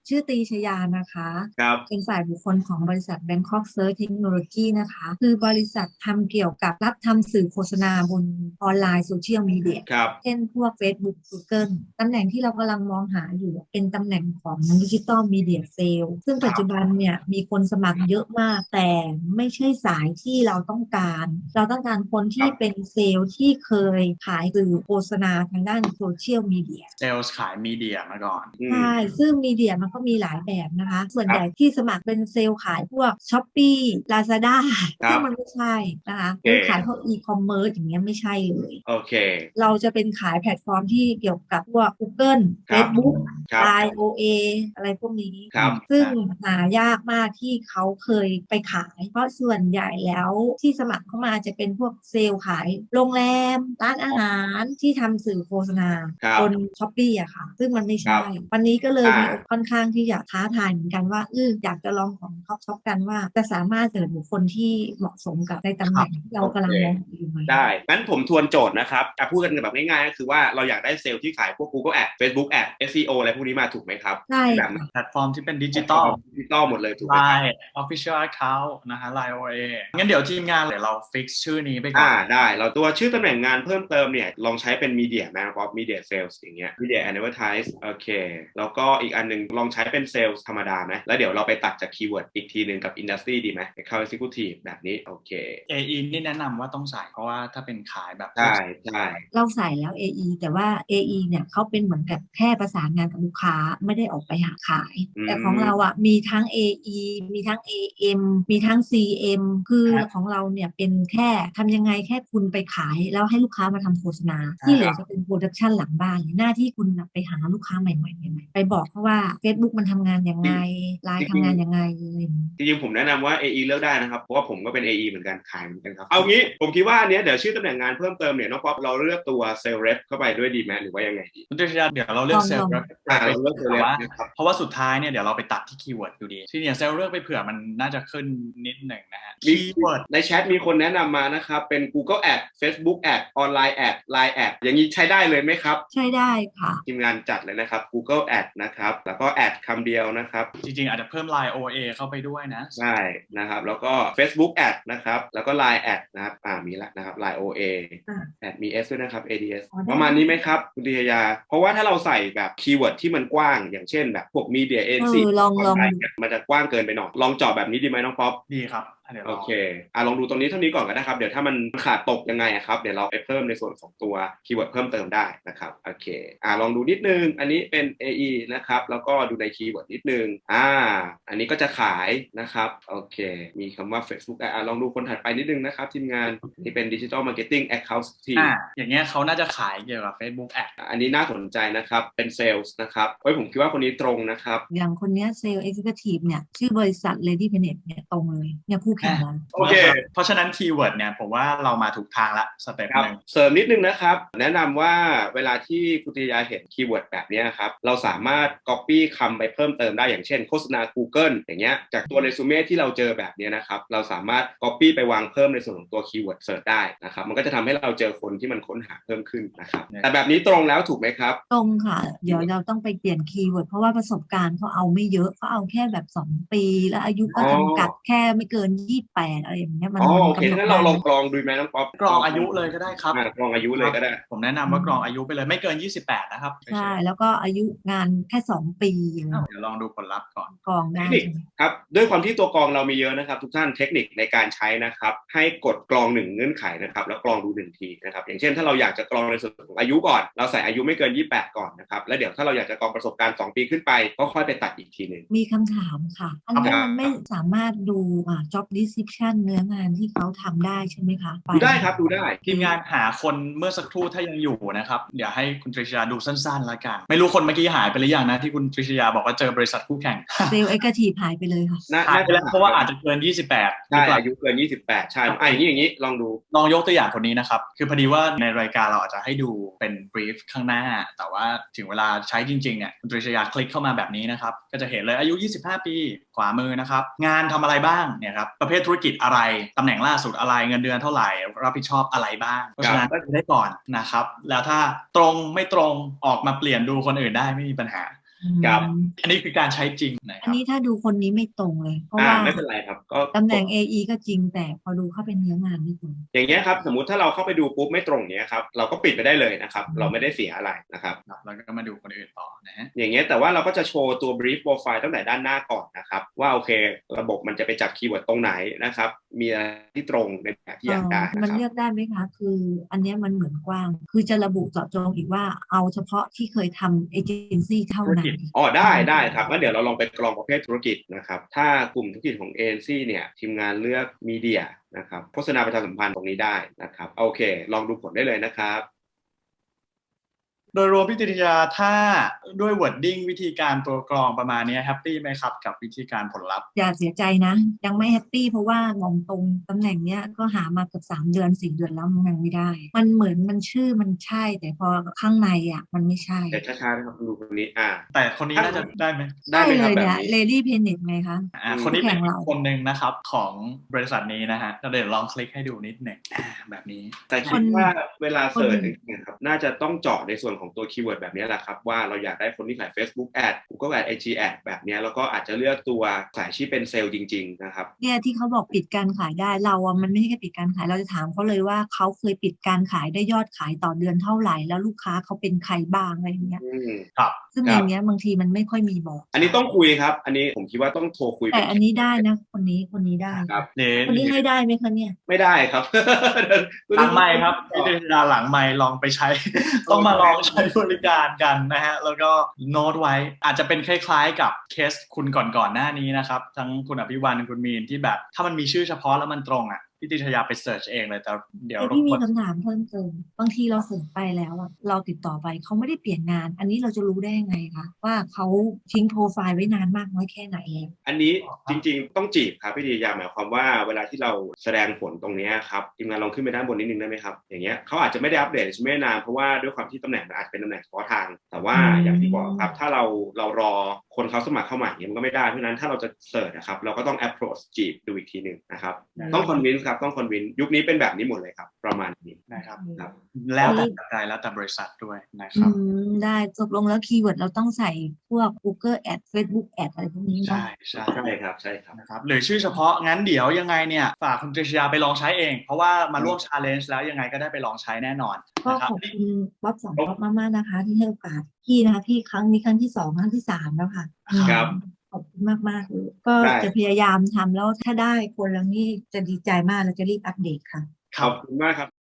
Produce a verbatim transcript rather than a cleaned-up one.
ชื่อตรีชยานะคะครับเป็นฝ่ายบุคคลของบริษัท Bangkok Search Technology นะคะคือบริษัททำเกี่ยวกับรับทำสื่อโฆษณาบนออนไลน์โซเชียลมีเดียครับเช่นพวก Facebook Google ตำแหน่งที่เรากำลังมองหาอยู่เป็นตำแหน่งของดิจิ t a ลมีเดียเซลซึ่งปัจจุบันเนี่ยมีคนสมัครเยอะมากแต่ไม่ใช่สายที่เราต้องการเราต้องการคนครัที่บเป็นเซลล์ที่เคยขายสื่อโฆษณาทางด้านโซเชียลมีเดียเซลล์ขายมีเดียมาก่อนอืมใช่ ซึ่งมีเดียมันก็มีหลายแบบนะคะ ส่วนครับใหญ่ที่สมัครเป็นเซลล์ขายพวก Shopee Lazada ซึ่งครับมันไม่ใช่นะคะโอเคหรือขายพวกอีคอมเมิร์ซอย่างเงี้ยไม่ใช่เลยโอเคเราจะเป็นขายแพลตฟอร์มที่เกี่ยวกับพวก Google ครับ Facebook ครับไลน์ โอ เอ อะไรพวกนี้ครับซึ่งหายากมากที่เขาเคยไปขาย เพราะส่วนใหญ่แล้วที่สมัครเข้ามาจะเป็นพวกเซลล์ขายโรงแรม ร้านอาหารที่ทำสื่อโฆษณาครับบน Shopee อะค่ะ ซึ่งมันไม่ครัใช่บวันนี้ก็เลยอ่ามีโอกาสค่อนข้างที่อยากท้าทายเหมือนกันว่าเอออยากจะลองของท็อปช็อปกันว่าจะสามารถเจอบุคคลที่เหมาะสมกับในตำแหน่งที่เราโอเคกำลังมองอยู่ไหมได้งั้นผมทวนโจทย์นะครับจะพูดกันแบบง่ายๆก็คือว่าเราอยากได้เซลล์ที่ขายพวก Google Ads Facebook Ads เอส อี โอ อะไรพวกนี้มาถูกไหมครับใช่แบบค่ะแพลตฟอร์มที่เป็นดิแพลจิตอลตฟอร์มดิจิตอลหมดเลยถูกไหมครับ Line Official Account นะฮะ Line โอ เอ งั้นเดี๋ยวทีมงานเดี๋ยวเราฟิกชื่อนี้ไปก่ออ่าน ได้เราตัวชื่อตำแหน่งงานเพิ่มเติมเนี่ยลองใช้เป็นมีเดียนะครับมีเดียเซลส์อย่างเงี้ยมีเดียแอนด์เวอร์ไทส์โอเคแล้วก็อีกอันหนึงลองใช้เป็นเซลส์ธรรมดาไหมแล้วเดี๋ยวเราไปตัดจากคีย์เวิร์ดอีกทีหนึ่งกับอินดัสทรีดีไหม Account Executive แบบนี้โอเคเอ อี นี่แนะนำว่าต้องใส่เพราะว่าถ้าเป็นขายแบบใช่ใช่เราใส่แล้ว เอ อี แต่ว่า เอ อี เนี่ยเขาเป็นเหมือนกับแค่ประสานงานกับลูกค้าไม่ได้ออกไปหาขายอืมแต่ของเราอ่ะมีทั้ง เอ อี มีทั้ง เอ เอ็ม มีทั้ง ซี เอ็ม คือของเราเนี่ยเป็นแค่ทำยังไงแค่คุณไปขายแล้วให้ลูกค้ามาทำโฆษณา ที่เหลือจะเป็นโปรดักชันหลังบ้านหน้าที่คุณน่ะไปหาลูกค้าใหม่ๆใหม่ๆไปบอกเขาว่า Facebook มันทำงานยังไง ไลน์ทำงานยังไงอะไรอย่างเงี้ยจริงๆผมแนะนำว่า เอ อี เลือกได้นะครับเพราะว่าผมก็เป็น เอ อี เหมือนกันขายเหมือนกันครับเอางี้ผมคิดว่าอันเนี้ยเดี๋ยวชื่อตำแหน่งงานเพิ่มเติมเนี่ยน้องป๊อปเราเลือกตัวเซลล์เรปเข้าไปด้วยดีไหมหรือว่ายังไงดีคุณตรีชยาเดี๋ยวเราเลือกเซลล์อ่าเราเลือกเซลล์แต่ rep ว่านะครับเพราะว่าสุดท้ายเนี่ยเดี๋ยวเราไปตัดที่คีย์เวิร์ดอยู่ดีที่เนี่ยเซลล์เลือกไปเผื่อมันน่าจะขึ้นนิดหนึ่งนะฮะมีคีย์เวิร์ดในแชทมีคนแนะนำมานะครับเป็น Google Ads Facebook Ads Online Ads Line Ads อย่างนี้ใช้ได้เลยไหมครับใช่ได้ค่ะทีมงานจัดเลยนะครับ Google Ads นะครับแล้วก็ Ads คำเดียวนะครับจริงๆอาจจะเพิ่ม Line โอ เอ เข้าไปด้วยนะใช่นะครับแล้วก็ Facebook Ads นะครับแล้วก็ Line Ads นะครับอ่ามีละนะครับ Line โอ เออ่า Ads มี S ด้วยนะครับ เอ ดี เอสอ๋อได้ประมาณนี้ไหมครับคุณดิยาเพราะว่าถ้าเราใส่แบบคีย์เวิร์ดที่มันกว้างอย่างเช่นแบบพวก Media เอ Agency อลองลอง Online เนี่ยมันจะกว้างเกินไปหน่อยลองเจาะแบบนี้ดีไหมน้องป๊อปดีครับเดี๋ยวโอลองเคอ่ะลองดูตรงนี้เท่านี้ก่อนก็ได้ครับเดี๋ยวถ้ามันขาดตกยังไงอะครับเดี๋ยวเราไปเพิ่มในส่วนของตัวคีย์เวิร์ดเพิ่มเติมได้นะครับโอเคอ่ะลองดูนิดนึงอันนี้เป็น เอ อี นะครับแล้วก็ดูในคีย์เวิร์ดนิดนึงอ่าอันนี้ก็จะขายนะครับโอเคมีคำว่า Facebook อ่ะลองดูคนถัดไปนิดนึงนะครับทีมงานนี่เป็น Digital Marketing Account ทีมอ่าอย่างเงี้ยเขาน่าจะขายเกี่ยวกับ Facebook Ad อันนี้น่าสนใจนะครับเป็นเซลส์นะครับเฮ้ยผมคิดว่าคนนี้ตรงนะครับอย่างคนเนี้ยเซลล์เอ็กซิคิวทีฟเนี่ยชื่อบริษัท Lady Planet เนี่ยตรงเลยเนี่ยคู่แข่งเราโอเคเพราะฉะนั้นคีย์เวิร์ดเนี่ยผมว่าเรามาถูกทางละสเต็ปครับหนึ่งเสริมนิดนึงนะครับแนะนำว่าเวลาที่คุณติยาเห็นคีย์เวิร์ดแบบนี้ครับเราสามารถ Copy คำไปเพิ่มเติมได้อย่างเช่นโฆษณา Google อย่างเงี้ยจากตัวเรซูเม่ที่เราเจอแบบนี้นะครับเราสามารถ Copy ไปวางเพิ่มในส่วนของตัวคีย์เวิร์ดเสิร์ชได้นะครับมันก็จะทำให้เราเจอคนที่มันค้นหาเพิ่มขึ้นนะครับแต่แบบนี้ตรงแล้วถูกไหมครับตรงค่ะเดี๋ยวเราต้องไปเปลี่ยนคีย์เวิร์ดเพราะว่าประสบการณ์เขาเอาไม่เยอะเขาเอาแค่แบบสองปีแล้วอายุก็จำกัดแค่ไม่เกินยี่สิบแปดอะไรอย่างเงี้ยมันอ๋อโอเคกำหนดงั้นเราได้ลองกรองดูไหมน้องป๊อปกรองอายุเลยก็ได้ครับอ่ากรองอายุเลยก็ได้ผมแนะนำว่ากรองอายุไปเลยไม่เกินยี่สิบแปดนะครับใช่แล้วก็อายุงานแค่สองปีอะไรเดี๋ยวลองดูผลลัพธ์ก่อนกรองเทได้คนิคครับด้วยความที่ตัวกรองเรามีเยอะนะครับทุกท่านเทคนิคในการใช้นะครับให้กดกรองหนึ่งเงื่อนไขนะครับแล้วกรองดูหนึ่งทีนะครับอย่างเช่นถ้าเราอยากจะกรองในส่วนของอายุก่อนเราใส่อายุไม่เกินยี่สิบแปดก่อนนะครับแล้วเดี๋ยวถ้าเราอยากจะกรองประสบการณ์สองปีขึ้นไปก็ค่อยไปตัดอีกทีหนึ่งมีคำถามค่ะอันนี้มันไม่สามารถดูอ่า job description เนื้องานที่เขาทำได้ใช่ไหมคะดูได้ครับดูได้ทีมงานหาคนเมื่อสักครู่ถ้ายังอยู่นะครับเดี๋ยวให้คุณตริชยาดูสั้นๆแล้วกันไม่รู้คนเมื่อกี้หายไปหรือยังนะที่คุณตริชยาบอกว่าเจอบริษัทคู่แข่งเซลล์เอ็กซ์ทีฟหายไปเลยค่ะหายไปแล้วเพราะว่าอาจจะเกินยี่สิบแปดใช่อายุเกินยี่สิบแปดใช่อ่ะอย่างนี้อย่างนี้ลองดูลองยกตัวอย่างคนนี้นะครับคือพอดีว่าในรายการเราอาจจะให้ดูเป็นบรีฟข้างหน้าแต่ว่าถึงเวลาใช้จริงๆเนี่ยคุณตริชยาคลิกเข้ามาแบบนี้นะครับก็จะเห็นเลยอายุยี่สิบห้าปีขวามือนะครับงานทำอะไรบ้างเนี่ยครับประเภทธุรกิจอะไรตำแหน่งล่าสุดอะไรเงินเดือนเท่าไหร่รับผิดชอบอะไรบ้างเพราะฉะนั้นก็จะได้ก่อนนะครับแล้วถ้าตรงไม่ตรงออกมาเปลี่ยนดูคนอื่นได้ไม่มีปัญหาครับอืมอันนี้คือการใช้จริงนะคอันรับนี้ถ้าดูคนนี้ไม่ตรงเลย เพราะอ่าว่าไม่เป็นไรครับก็ตำแหน่ง เอ อี ก็จริงแต่พอดูเข้าเป็นเนื้องานไม่ตรงอย่างเงี้ยครับสมมุติถ้าเราเข้าไปดูปุ๊บไม่ตรงเนี้ยครับเราก็ปิดไปได้เลยนะครับอืมเราไม่ได้เสียอะไรนะครับครับแล้วก็มาดูคนอื่นต่อนะฮะอย่างเงี้ยแต่ว่าเราก็จะโชว์ตัว brief profile ตั้งแต่ด้านหน้าก่อนนะครับว่าโอเคระบบมันจะไปจับคีย์เวิร์ดตรงไหนนะครับมีอะไรที่ตรงในแบบที่อยากได้เอ่อนะมันครับเลือกได้ไหมคะ คืออันเนี้ยมันเหมือนกว้าง คือจะระบุเจาะจงอีกว่าเอาเฉพาะที่เคยทำเอเจนซี่เท่าธุรนั้กินจอ๋อได้ได้ครับงั้นเดี๋ยวเราลองไปกรองประเภทธุรกิจนะครับถ้ากลุ่มธุรกิจของ เอ เอ็น ซี เนี่ยทีมงานเลือกมีเดียนะครับโฆษณาประชาสัมพันธ์ตรงนี้ได้นะครับโอเคลองดูผลได้เลยนะครับโดยรวมพี่ติยาถ้าด้วย wording วิธีการตัวกรองประมาณนี้แฮปปี้ไหมครับกับวิธีการผลลัพธ์อย่าเสียใจนะ ยังไม่แฮปปี้เพราะว่างงตรงตำแหน่งเนี้ยก็หามาเกือบสามเดือนสี่เดือนแล้วมันยังไม่ได้ มันเหมือนมันชื่อมันใช่ แต่พอข้างในอ่ะมันไม่ใช่แต่ช้าๆนะครับดูคนนี้อ่าแต่คนนี้น่าจะได้ไหมได้ใช่ไหมคเลรับยแบบเนี่ยนี้เลดี้เพนเน็ตไงคะอ่าคนนี้คู่เป็แข่นงเราคนหนึ่งนะครับของบริษัทนี้นะฮะเดี๋ยวลองคลิกให้ดูนิดหนึ่งอ่าแบบนี้แต่คคิดนว่าเวลาคนเสิร์ชจริงๆครับน่าจะต้องเจาะในส่วนของตัวคีย์เวิร์ดแบบนี้แหละครับว่าเราอยากได้คนที่ขาย Facebook Ad Google Ad ไอ จี Ad แบบนี้แล้วก็อาจจะเลือกตัวสายที่เป็นเซลล์จริงๆนะครับเนี่ยที่เขาบอกปิดการขายได้เราอะมันไม่ใช่แค่ปิดการขายเราจะถามเขาเลยว่าเขาเคยปิดการขายได้ยอดขายต่อเดือนเท่าไหร่แล้วลูกค้าเขาเป็นใครบ้างอะไรอย่างเงี้ยอืมครับซึ่งคอรับย่างเงี้ยบางทีมันไม่ค่อยมีบอกอันนี้ต้องคุยครับ อันนี้ผมคิดว่าต้องโทรคุยแต่เป็อันนี้ได้นะคนนี้คนนี้ได้ครับเดี๋ยวคนนี้ให้ได้ไหมคะเนี่ยไม่ได้ครับหลังไมค์ครับพี่ติยาหลังไมค์ลองไปใช้ ต้องมาลองใช้บริการกันนะฮะแล้วก็โน้ตไว้อาจจะเป็นคล้ายๆกับเคสคุณก่อนๆหน้านี้นะครับทั้งคุณอภิวันคุณมีนที่แบบถ้ามันมีชื่อเฉพาะแล้วมันตรงอ่ะพี่ติยาไปเสิร์ชเองเลยแต่เดี๋ยวแต่รบพี่กมีวนคำถามเพิ่มเติมบางทีเราส่งไปแล้วอะเราติดต่อไปเขาไม่ได้เปลี่ยนงาน อันนี้เราจะรู้ได้ยังไงคะว่าเขาทิ้งโปรไฟล์ไว้นานมากน้อยแค่ไหนแล้วอันนี้จริงๆต้องจีบครับพี่ดียาหมายความว่าเวลาที่เราแสดงผลตรงนี้ครับทีมงานลองขึ้นไปด้านบนนิดนึงได้ไหมครับอย่างเงี้ยเขาอาจจะไม่ได้อัปเดตใช่ไหมนานเพราะว่าด้วยความที่ตำแหน่งมันอาจจะเป็นตำแหน่งเฉพาะทาง แต่ว่าอืมอย่างที่บอกครับถ้าเราเรารอคนเขาสมัครเข้ามาอย่างเงี้ยมันก็ไม่ได้เพราะฉะนั้นถ้าเราจะเสิร์ชนะครับเราก็ต้อง approach จีบดูอีกทีหนึ่งนะครับต้อง convince ครับต้อง convince ยุคนี้เป็นแบบนี้หมดเลยครับประมาณนี้นะครับครับแล้วแต่ปัจจัยแล้วแต่บริษัทด้วยนะคอืรับมได้ตกลงแล้วคีย์เวิร์ดเราต้องใส่พวก Google Ad Facebook Ad อะไรพวกนี้เนาะใช่ใช่ใช่ครับใช่ครับนะครับหรือชื่อเฉพาะงั้นเดี๋ยวยังไงเนี่ยฝากคุณตริชยาไปลองใช้เอง เพราะว่ามาร่วม challenge แล้วยังไงก็ได้ไปลองใช้แน่นอนก็นะครับขอบคุณบ๊อบสองบ๊อบมากๆนะคะ ที่ให้โอกาสพี่นะคะพี่ครั้งนี้ครั้งที่สองครั้งที่สามแล้วค่ะครับอืมขอบคุณมากๆเลยก็ได้จะพยายามทำแล้วถ้าได้คนแล้วนี่จะดีใจมากเราจะรีบอัปเดตค่ะคขรัอบบคุณมากครับ